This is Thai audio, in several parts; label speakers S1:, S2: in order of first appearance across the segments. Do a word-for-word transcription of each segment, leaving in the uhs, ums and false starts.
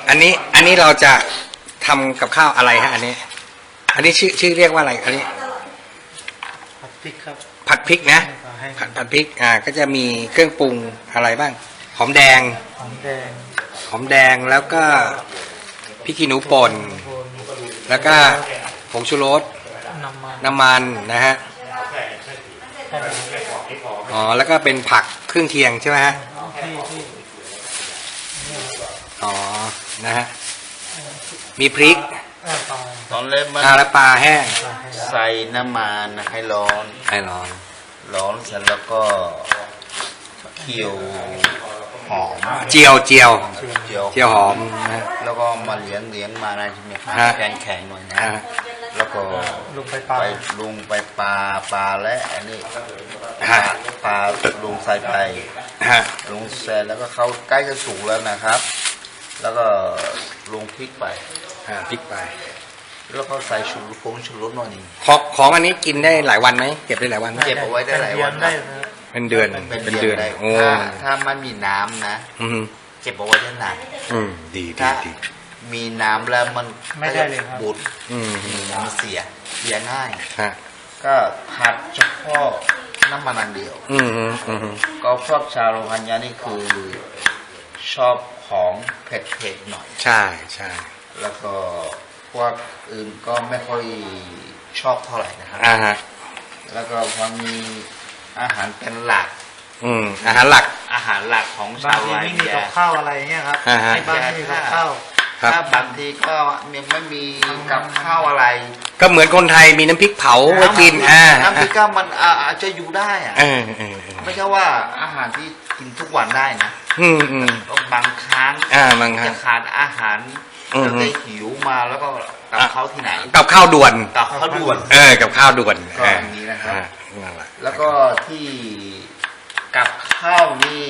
S1: อันนี้อันนี้เราจะทำกับข้าวอะไรฮะอันนี้อันนี้ชื่อชื่อเรียกว่าอะไรอันนี้
S2: ผัดพริกครับ
S1: ผัดพริกนะผัดผัดพริกอ่าก็จะมีเครื่องปรุงอะไรบ้างหอมแดง
S2: หอมแดง
S1: หอมแดงแล้วก็พริกขี้หนูป่นแล้วก็ผงชูรสน้ำมันนะฮะอ๋อแล้วก็เป็นผักเครื่องเคียงใช่ไหมฮะอ๋อนะฮะมีพริก
S3: ตอนเล่มมัน
S1: แล้วปลาแห้ง
S3: ใส่น้ำมันให้ร้อน
S1: ให้ร้อน
S3: ร้อนเสร็จแล้วก็เคี่ยวหอม
S1: เจียวเจียว
S3: เจียว
S1: เจียวหอมนะ
S3: แล้วก็มาเลี้ยงเลี้ยงมาได้ใช่ไหมครับแข็งแข็งหน่อยนะแล้วก็
S2: ลงไปปลา
S3: ไปลงไปปลาปลาและอันนี้ปลาลงใส่ไปลงเสร็จแล้วก็เขาใกล้จะสุกแล้วนะครับแล้วก็ลงพริกไป
S1: พริกไป
S3: แล้วก็ใส่ชูรสผงชูรสหน่อยนึง
S1: ของของอันนี้กินได้หลายวันไหมเก็บได้หลายวัน
S3: เก็บเอาไว้ได้หลายวัน
S1: เป็นเดือนเป็นเดือนโอ้
S3: ถ้ามันมีน้ำนะเก็บเอาไว้ได้นาน
S1: อืมดีดีดี
S3: มีน้ำแล้วมัน
S2: ไม่ได้เลยครับ
S3: บุดมันเสียเสียง่าย
S1: ฮะ
S3: ก็ผัดเฉพาะน้ำมันอันเดียว
S1: อืมอืม
S3: ก็ชอบชาวโรฮังญานี่คือชอบของเผ็ดๆหน่อย
S1: ใช่ใช่
S3: แล้วก็พวกอื่นก็ไม่ค่อยชอบเท่าไหร่นะครับ
S1: อ่าฮะ
S3: แล้วก็พอมีอาหารเป็นหลัก
S1: อืมอาหารหลัก
S3: อาหารหลักของชาวไร่
S2: ไม่มีกับข้าวอะไรเงี้ยครับในบ้านไม่มีกับข้าว
S3: ถ้าบางทีก็ยังไม่มีกับข้าวอะไร
S1: ก็เหมือนคนไทยมีน้ำพริกเผาไว้กินอ่า
S3: น้ำพริกก็มันอาจจะอยู่ได้อะไม่ใช่ว่าอาหารที่กินทุกวันได้นะ
S1: อืมอืม
S3: บางครั้ง
S1: อ่าบางครั้ง
S3: จะขาดอาหารจะได้หิวมาแล้วก็กับข้าวที่ไหน
S1: กับข้าวด่วน
S3: กับข้าวด่วน
S1: เออกับข้าวด่วน
S3: ก็อย่างนี้นะครับแล้วก็ที่กับข้าวนี่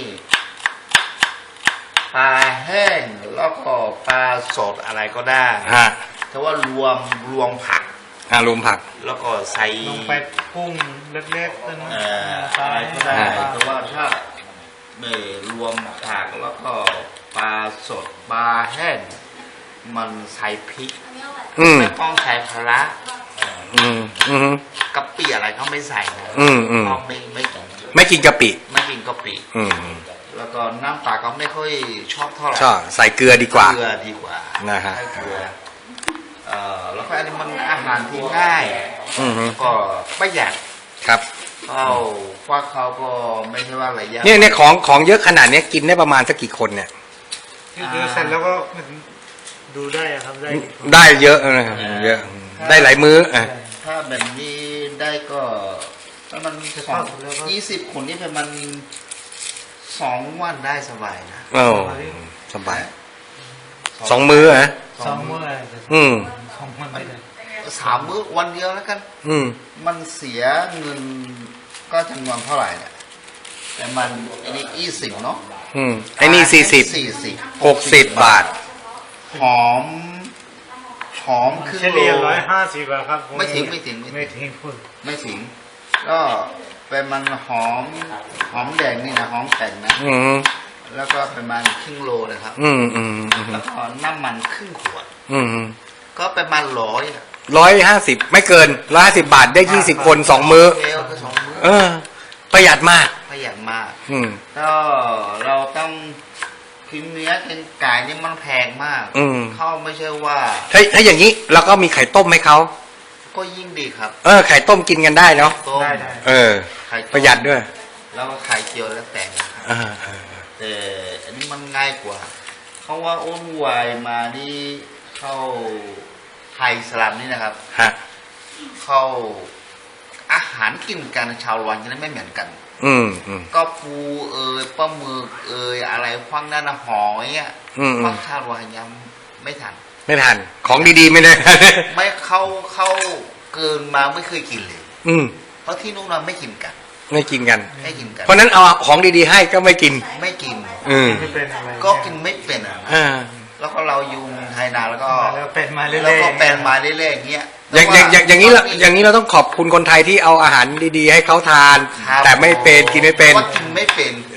S3: ปลาแห้งแล้วก็ปลาสดอะไรก็ได้
S1: ฮะ
S3: แต่ว่ารวมรวมผัก
S1: อ่ารวมผัก
S3: แล้วก็ใส่
S2: ลงไปพุ่งเล็กๆ
S3: นั่นอะไรก็ได้แต่ว่าถ้าไม่รวมผักแล้วก็ปลาสดปลาแห้งมันใส่พริกไม่ต้องใส่พละ
S1: อืมอืม
S3: กะปิอะไรเขาไม่ใส่นะ
S1: อืมอืม
S3: ไม่ไม่กิน
S1: ไม่กินกะปิ
S3: ไม่กินกะปิ
S1: อืม
S3: แล้วก็น้ำปลาก็ไม่ค่อยชอบเท่าไหร่
S1: ชอบใส่เกลือดีกว่า
S3: เกลือดีกว่า
S1: นะฮะ
S3: เกลือเอ่อแล้วก็อันนี้มันอาหารที่ง่ายก็ประหยัด
S1: ครับ
S3: เขาว่าเขาก็ไม่ใช่ว่าอะไรเยอะ
S1: เนี่ยเนี่ยของของเยอะขนาดนี้กินได้ประมาณสักกี่คนเนี่ย
S2: ดูเสร็จแล้วก็ดูได้ครับได้
S1: ได้เยอะนะเยอะได้หลายมื้ออ่ะ
S3: ถ้าแบบนี้ได้ก็ถ้ามันสองยี่สิบคนนี่เป็นมันสองวันได้สบายนะ
S1: โอ้สบายสองมื้อฮะ
S2: สองมื้อ
S1: อืม
S2: สองมื้อไม่ได้
S3: สามมื้อวันเดียวแล้วกัน
S1: อืม
S3: มันเสียเงินก็จำนวนเท่าไหร่เนี่ยแต่มันอันนี้ยี่สิบเนาะ
S1: อืมไอ้นี่สี่สิบ
S3: สี่สิบ
S1: หกสิบบาท
S3: หอมหอมคือ
S2: เฉลี่ยร้อยห้าสิบครับ
S3: ไม่ถึงไม่ถึง
S2: ไม่ถึงพูด
S3: ไม่ถึงก็เป็นมันหอมหอมแดงนี่นะหอมแต่งนะ
S1: อืม
S3: แล้วก็ประมาณครึ่งโลนะครับ
S1: อืมอืม
S3: แล้วก็น้ำมันครึ่งขวด
S1: อืม
S3: ก็ประมาณร้อย
S1: ร้อยห้าสิบไม่เกินร้อยห้าสิบบาทได้ยี่สิบคนสองมื้อเออประหยัดมาก
S3: ประหยัดมาก
S1: อืม
S3: ก็เราต้องกินเนื้อกินไก่นี่มันแพงมาก
S1: อืม
S3: เขาไม่ใช่ว่า
S1: ถ้าถ้าอย่างนี้เราก็มีไข่ต้มให้เขา
S3: ก็ยิ่งดีครับ
S1: เออไข่ต้มกินกันได้เนาะ
S3: ได้
S1: เออประหยัดด้วย
S3: แล้วก็ไข่เจียวแล้วแต่แต่อันนี้มันง่ายกว่าเขาว่าอ้นวายมานี่เข้าไทยสลัมนี่นะครับ
S1: ฮะ
S3: เข้าอาหารกินกันชาววันจะไม่เหมือนกัน
S1: อืมอืม
S3: ก็ปูเอ่ยปลาหมึกเอ่ยอะไรคว้างนั่นหอยอ่ะคว้างชาววันยังไม่ทัน
S1: ไม่ทันของดีๆไม่ได้
S3: ไม่เข้าเข้าเกินมาไม่เคยกินเลย
S1: อืม
S3: เพราะที่นู้นเราไม่กินกัน
S1: ไม่กินกัน
S3: ไม่กินกัน
S1: เพราะนั้นเอาของดีๆให้ก็ไม่กิน
S3: ไม่กิน
S1: อืม
S3: ก็กินไม่เป็น
S1: อ่า
S3: แล้วก็เราอยู่ไทยนานแล้วก็
S2: เป็นมาเรื่อยๆ
S3: แล้วก็เป็นมาเรื่อยๆอย่างเงี้ย
S1: อย่างอย่างอย่างอย่างนี้เราอย่างนี้เราต้องขอบคุณคนไทยที่เอาอาหารดีๆให้เขาทานแต่ไม่เป็นกินไม่เป็น
S3: ก็กินไม่เป็น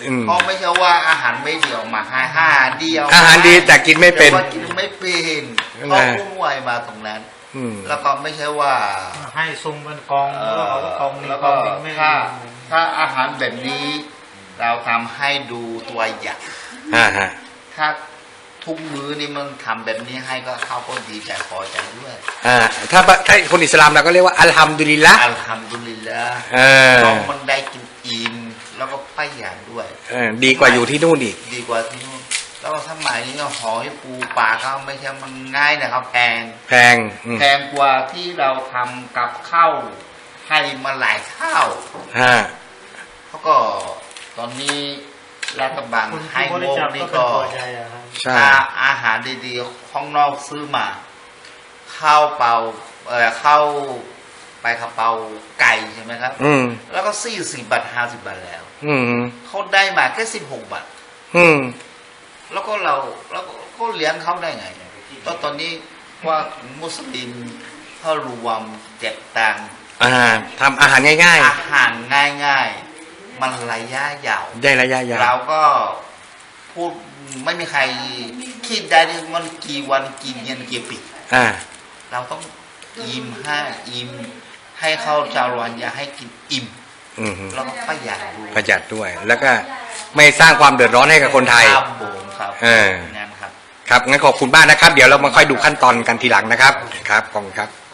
S1: อืม
S3: เพราะไม่ใช่ว่าอาหารไม่เดียวมาให้อาหารเดียว
S1: อาหารดีแต่กินไม่เป็น
S3: แต่ว่ากินไม่เป็น
S1: นั่น
S3: ก็
S1: ไง
S3: วุ่นวายมาตรงนั้น
S1: อืม
S3: แล้วก็ไม่ใช่ว่า
S2: ให้ซุ่มเป็นกอง
S3: เอ่
S2: แล้ว
S3: อ
S2: เขาก็กองนี้
S3: แล้ว
S2: ก
S3: ก็
S2: องนี้ไม่
S3: ถ้าถ้าอาหารแบบนี้ เราทำให้ดูตัวอย่าง
S1: อ่าฮะ
S3: ถ้าทุกมื้อนี่มันทำแบบนี้ให้ก็เขาก็ดีใจพอใจด้วย
S1: อ่าถ้าถ้าคนอิสลามเราก็เรียกว่าอัลฮัมดุลิลละ
S3: อัลฮัมดุลิลละ
S1: เออ
S3: น้องมันได้กินอิ่มแล้วก็ประหยัดด้วย
S1: เออดีกว่าอยู่ที่นู่นอีก
S3: ดีกว่าที่นู่นแล้วก็สมัยนี้ก็หอยปูปลาเขาไม่ใช่มันง่ายนะครับแพง
S1: แพงอืม
S3: แพงกว่าที่เราทำกับข้าวให้มาหลายข้าว
S1: ฮะ
S3: เขาก็ตอนนี้รัฐบาล
S2: คน
S3: ให้
S2: ที่บริ
S3: งบ
S2: จาค
S3: นี่
S2: ก็เป็น
S3: ก็
S2: พอใจอะครับ
S1: ใช่
S3: ถ้าอาหารดีๆข้างนอกซื้อมาข้าวเปล่าเออข้าวไปกระเป๋าไก่ใช่ไหมครับ
S1: อืม
S3: แล้วก็สี่สิบบาทห้าสิบบาทแล้ว
S1: อืม
S3: เขาได้มาแค่สิบหกบาท
S1: อืม
S3: แล้วก็เราแล้วก็ก็เลี้ยงเขาได้ไงตอนตอนนี้ว่ามุสลิมเขารวมแจกตังค์
S1: อ่าทำอาหารง่าย
S3: อาหารง่ายๆ มันระยะยาว
S1: ๆ ได้ระยะยาว
S3: เราก็พูดไม่มีใครคิดได้เลยมันกี่วันกี่เดือนกี่ปี
S1: อ่า
S3: เราต้องอิ่มให้อิ่มให้เขาชาวรวนอย่าให้กินอิ่ม
S1: อืม
S3: แล้วก็ประหยัดด้วย
S1: ประหยัดด้วย แล้วก็ไม่สร้างความเดือดร้อนให้กับคนไทย
S3: ครับผมครับ
S1: เออ
S3: งานครับ
S1: ครับงั้นขอบคุณมากนะครับ เดี๋ยวเรามาค่อยดูขั้นตอนกันทีหลังนะครับ ครับขอบคุณครับ